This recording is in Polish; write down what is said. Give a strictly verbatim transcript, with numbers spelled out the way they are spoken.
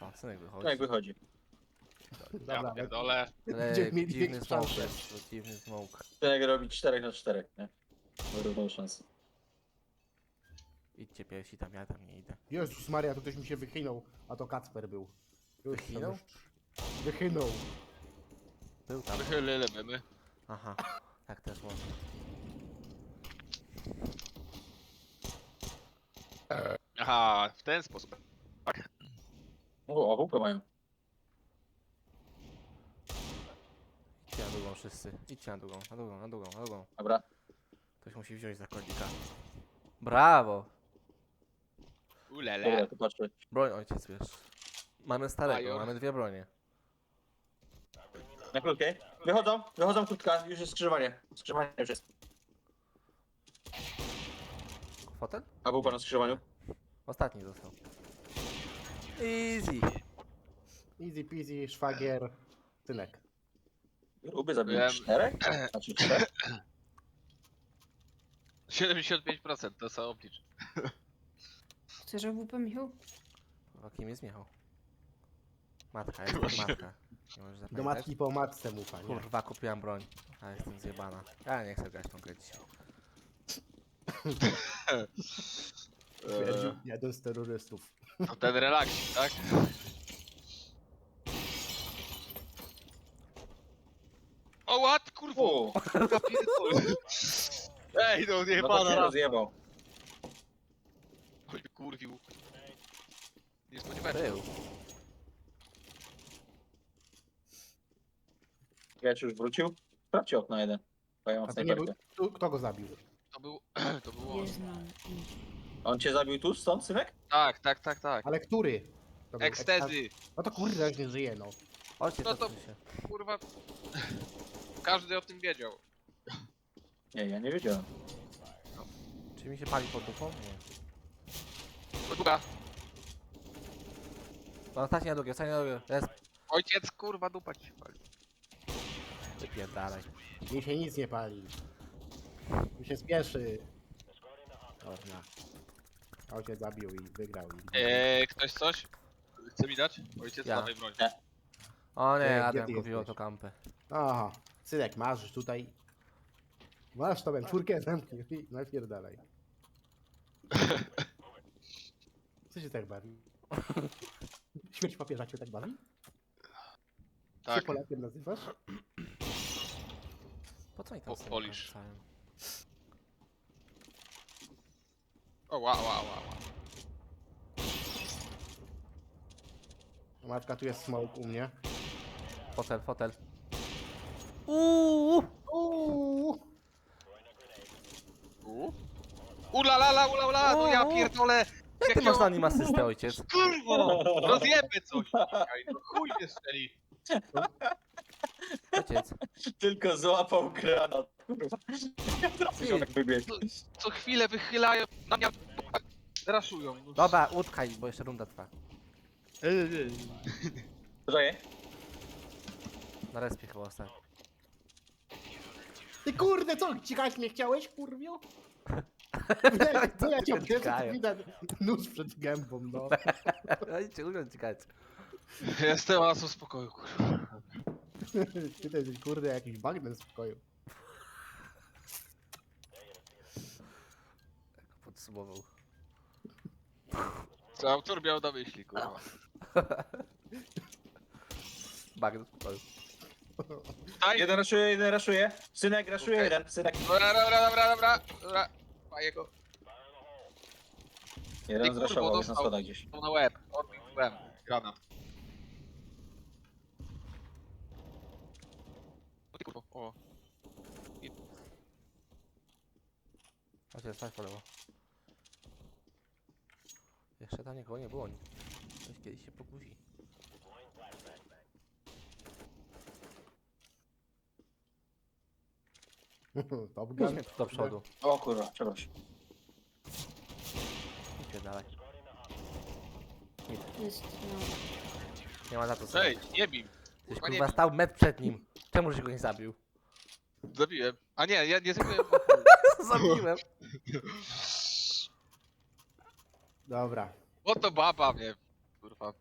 O, synek wychodzi. Jak wychodzi. Ja Dobra, pierdolę. będziemy Ale mieli dziwny większą smoke szansę. jest, to dziwny smoke. Jak robi cztery na cztery, nie? Ma równą szansę. Idźcie pierwsi tam, ja tam nie idę. Jezus Maria, to ktoś mi się wychynął, a to Kacper był. Już Wychinął? tam już- Wychynął. Był tam. Wychylyle my. Aha, tak też można. Aha, w ten sposób. O, A W P mają. Idźcie na długą wszyscy. Idźcie na długą, na długą, na długą, na długą. Dobra. Ktoś musi wziąć zakładnika. Brawo! Ulele. Dobra, to patrzę. Broń ojciec, wiesz. Mamy starego, Major. mamy dwie bronie. Na krótkiej. Wychodzą, wychodzą krótka, już jest skrzyżowanie. Skrzyżowanie już jest. Fotel? A W P na skrzyżowaniu. Ostatni został. Easy. Easy peasy, szwagier, synek. Gruby zabił Wiem. czterech? Znaczy czterech? siedemdziesiąt pięć procent to co oblicz. Chcesz A W P, Michał? O kim jest Michał? Matka, jest matka. Nie możesz Do zapamiętać? matki po matce mufa, nie? Kurwa, kupiłam broń. A jestem zjebana. Ja nie chcę grać tą grę dzisiaj. Twierdził jeden z terrorystów. To ten relaks, tak? O what? Kurwa! O, Ja pierdolę. Ej, no nie no to się pana. rozjebał. Oj, kurwił. Nie spodziewałem się. Był. Ja już wrócił. Sprawdźcie okno jeden. Bo ja mam A to nie był... snajperkę. Tu, kto go zabił? To był... To było... Nie znam. On cię zabił tu, stąd, synek? Tak, tak, tak, tak. Ale który? To był Ekstezy. No to kurde, jak nie żyje, no. Ojciec, No to- odsuń się. Kurwa. Każdy o tym wiedział. Nie, ja nie wiedziałem. Czy mi się pali pod dupą? Nie. Kurwa. No ostatni na drugie, ostatni na drugie. Jest. Ojciec, kurwa, dupa ci się pali. Wypierdalaj. Mi się nic nie pali. Mi się spieszy. Dobra. Ojciec zabił i wygrał. I... Eee, ktoś coś? Chce mi dać? Ojciec, Ja. dawaj broń. O nie, Ej, gdzie Adam ty kupiło jesteś? to kampę. Aha, synek, masz tutaj. Masz tą czwórkę, zamknij i napierdalaj. Co się tak bawi? Śmierć papieża cię tak bawi? Tak. Się Polakiem nazywasz? Po co oni tam Po- sobie Polish. wracają? O, ła, ła, ła, ła. Matka, tu jest smoke u mnie. Fotel, fotel. Uuu! Uuu, U? Ulalala, ulalala, no ja U. pierdolę! Jak ty masz na nim asystę, ojciec? Kurwo! Rozjebę coś! Czekaj, no chuj mnie strzeli! Ojciec. Tylko złapał granat. Kurwa. Ty. Tak wybiegł. Co, co chwilę wychylają, na mnie raszują. No. Dobra, utkaj, bo jeszcze runda trwa. Poczekaj. Na respie chyba ostatni. ty kurde, co? Cikać mnie chciałeś, kurwio? Wyleciał pierwszy, to widać nóż przed gębą, no. Oni cię lubią cikać. Jestem asu w spokoju, kurwa. Ty to jesteś, kurde, jakiś bagnem w pokoju. Podsumował. Co autor miał na myśli, kurwa. Bagno spokoju. Daj! Jeden raszuje, jeden raszuje. Synek raszuje, Okej. jeden. Synek. Dobra, dobra, dobra, dobra, dobra. Ma jego. Jeden kurwo, zraszował, jest na dostał. schodach gdzieś. To na łeb. Odbił łeb. Granat. O ty kurwo, o. Ojciec, tak po lewo. Jeszcze tam nikogo nie było. Ktoś kiedyś się pokusi. Top Gun. Idźmy do przodu. O kurwa, przepraszam. Idźcie dalej. Jest, no. Nie ma za to co. Ej, nie bij. Tyś kurwa, nie kurwa bij. stał metr przed nim. Czemu się go nie zabił? Zabiłem. A nie, ja nie zabiłem. Zabiłem. Dobra. O to baba mnie. Kurwa.